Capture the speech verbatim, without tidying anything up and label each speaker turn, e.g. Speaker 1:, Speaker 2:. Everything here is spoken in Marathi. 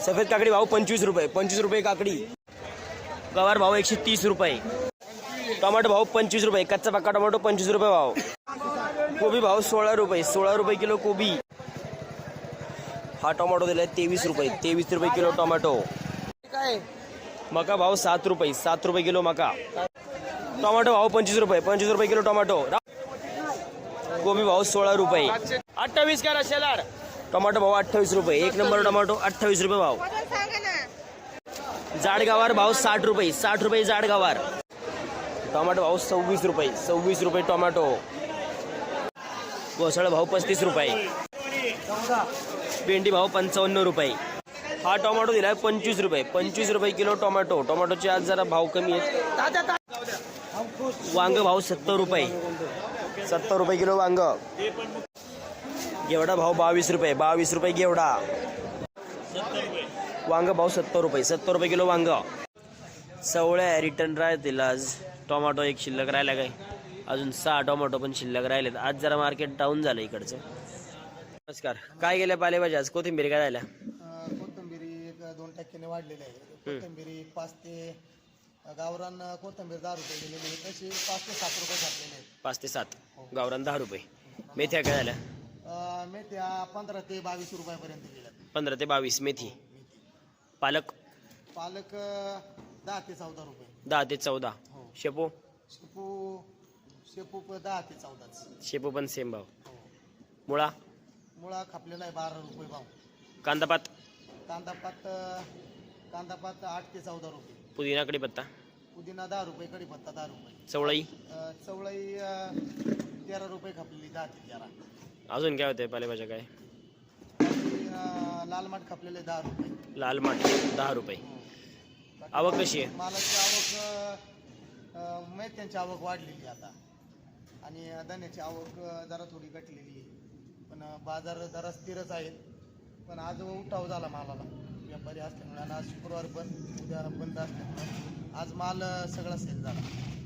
Speaker 1: सफेद काकडी भाव पंचवीस रुपये पंचवीस रुपये काकडी. गवार भाव एकशे तीस रुपये. टोमॅटो भाव पंचवीस रुपये. कच्चा पक्का टोमॅटो पंचवीस रुपये भाव. कोबी भाव सोळा रुपये सोळा रुपये किलो कोबी. हा टोमॅटो दिलाय तेवीस रुपये तेवीस रुपये किलो टोमॅटो. मका भाव सात रुपये सात रुपये किलो मका. टोमॅटो भाव पंचवीस रुपये पंचवीस रुपये किलो टोमॅटो. कोबी भाव सोळा रुपये. अठ्ठावीस करा शेलार. टोमॅटो भाव अठ्ठावीस रुपये. एक नंबर टोमॅटो अठ्ठावीस रुपये भाव. जाड गवार भाव साठ रुपये साठ रुपये जाड गवार. टोमॅटो भाव सव्वीस रुपये सव्वीस रुपये टोमॅटो. घोसाळ भाव पस्तीस रुपये. भेंडी भाव पंचावन्न रुपये. हा टोमॅटो दिलाय पंचवीस रुपये पंचवीस रुपये किलो टोमॅटो. टोमॅटोचे आज जरा भाव कमी आहेत. वांग भाव सत्तर रुपये सत्तर रुपये किलो वांग. घेवडा भाव बावीस रुपये बावीस रुपये घेवडा. वांग भाव सत्तर रुपये सत्तर रुपये किलो वांग. सवळ्या रिटर्न राहतील आज. टोमॅटो एक शिल्लक राहिला काय. अजून सहा टोमॅटो पण शिल्लक राहिलेत. आज जरा मार्केट डाऊन झालं इकडचं. नमस्कार. काय गेल्या पालेभाज्या आज. कोथिंबीर काय राहिल्या.
Speaker 2: कोथिंबीरी एक दोन टक्क्याने वाढलेली आहे. कोथिंबीरी पाच ते गावरान कोथिंबीर दहा रुपये गेलेली आहे. तशी पाच ते सात रुपये घातलेले आहेत.
Speaker 1: पाच ते सात गावरान दहा रुपये. मेथ्या काय झाल्या.
Speaker 2: मेथ्या पंधरा ते बावीस रुपयापर्यंत गेल्या.
Speaker 1: पंधरा ते बावीस मेथी. पालक
Speaker 2: पालक दहा ते चौदा रुपये.
Speaker 1: दहा ते चौदा. शेपू
Speaker 2: शेपू शेपू प- दहा ते चौदाच.
Speaker 1: शेपू पण सेम भाव. मुळा
Speaker 2: मुळा खापलेला आहे बारा रुपये भाव.
Speaker 1: कांदापात
Speaker 2: कांदापात कांदापात आठ ते चौदा रुपये.
Speaker 1: पुदिना कढीपत्ता
Speaker 2: पुदिना दहा रुपये. कढीपत्ता दहा रुपये.
Speaker 1: चवळई
Speaker 2: अ, चवळई अ, तेरा रुपये खापलेली दहा ते तेरा.
Speaker 1: अजून काय होते पालेभाज्या काय.
Speaker 2: आणि, अ, लाल माठ खापलेले दहा रुपये.
Speaker 1: लाल माठ दहा रुपये. आवक कशी आहे.
Speaker 2: मालाची आवक अ, मेथ्यांची आवक वाढलेली आता. आणि धान्याची आवक अ, जरा थोडी घटलेली आहे. पण अ, बाजार जरा स्थिरच आहेत. पण आज उठाव झाला मालाला. व्यापारी असल्यामुळे आणि आज शुक्रवार पण उद्या बंद असल्यामुळे आज माल अ, सगळा सेल झाला.